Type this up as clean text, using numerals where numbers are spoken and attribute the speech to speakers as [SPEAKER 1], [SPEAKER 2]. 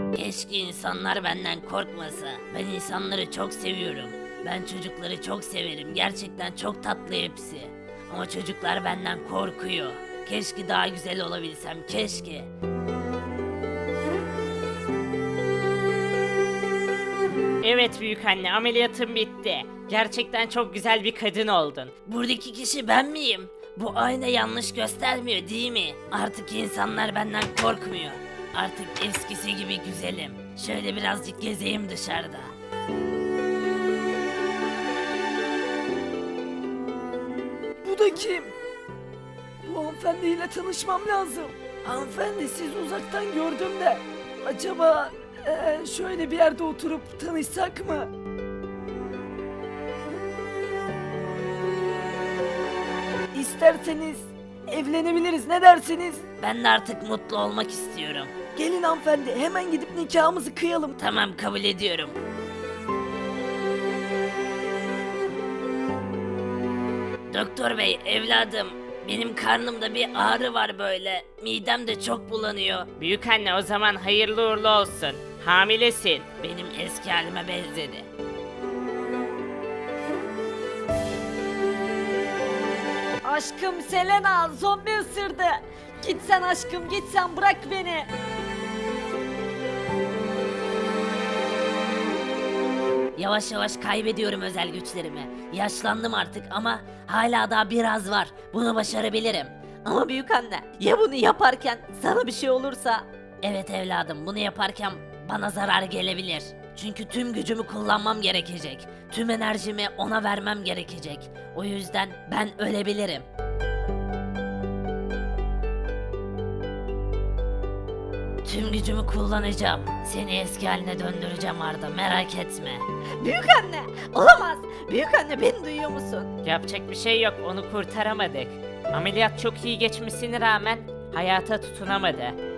[SPEAKER 1] Keşke insanlar benden korkmasa. Ben insanları çok seviyorum. Ben çocukları çok severim. Gerçekten çok tatlı hepsi. Ama çocuklar benden korkuyor. Keşke daha güzel olabilsem, keşke.
[SPEAKER 2] Evet büyük anne, ameliyatın bitti. Gerçekten çok güzel bir kadın oldun.
[SPEAKER 1] Buradaki kişi ben miyim? Bu ayna yanlış göstermiyor değil mi? Artık insanlar benden korkmuyor. Artık eskisi gibi güzelim. Şöyle birazcık gezeyim dışarıda.
[SPEAKER 3] Bu da kim? Bu hanımefendiyle tanışmam lazım. Hanımefendi siz uzaktan gördüm de. Acaba şöyle bir yerde oturup tanışsak mı? İsterseniz evlenebiliriz, ne dersiniz?
[SPEAKER 1] Ben de artık mutlu olmak istiyorum.
[SPEAKER 3] Gelin hanımefendi hemen gidip nikahımızı kıyalım.
[SPEAKER 1] Tamam, kabul ediyorum. Doktor bey, evladım, benim karnımda bir ağrı var böyle. Midem de çok bulanıyor.
[SPEAKER 2] Büyük anne, o zaman hayırlı uğurlu olsun. Hamilesin.
[SPEAKER 1] Benim eski halime benzedi.
[SPEAKER 4] Aşkım Selena, zombi ısırdı. Git sen aşkım, git sen, bırak beni.
[SPEAKER 1] Yavaş yavaş kaybediyorum özel güçlerimi. Yaşlandım artık ama hala daha biraz var. Bunu başarabilirim.
[SPEAKER 4] Ama büyük anne, ya bunu yaparken sana bir şey olursa?
[SPEAKER 1] Evet evladım, bunu yaparken bana zarar gelebilir. Çünkü tüm gücümü kullanmam gerekecek. Tüm enerjimi ona vermem gerekecek. O yüzden ben ölebilirim. Tüm gücümü kullanacağım. Seni eski haline döndüreceğim Arda, merak etme.
[SPEAKER 4] Büyük anne, olamaz. Büyük anne, beni duyuyor musun?
[SPEAKER 2] Yapacak bir şey yok, onu kurtaramadık. Ameliyat çok iyi geçmesine rağmen hayata tutunamadı.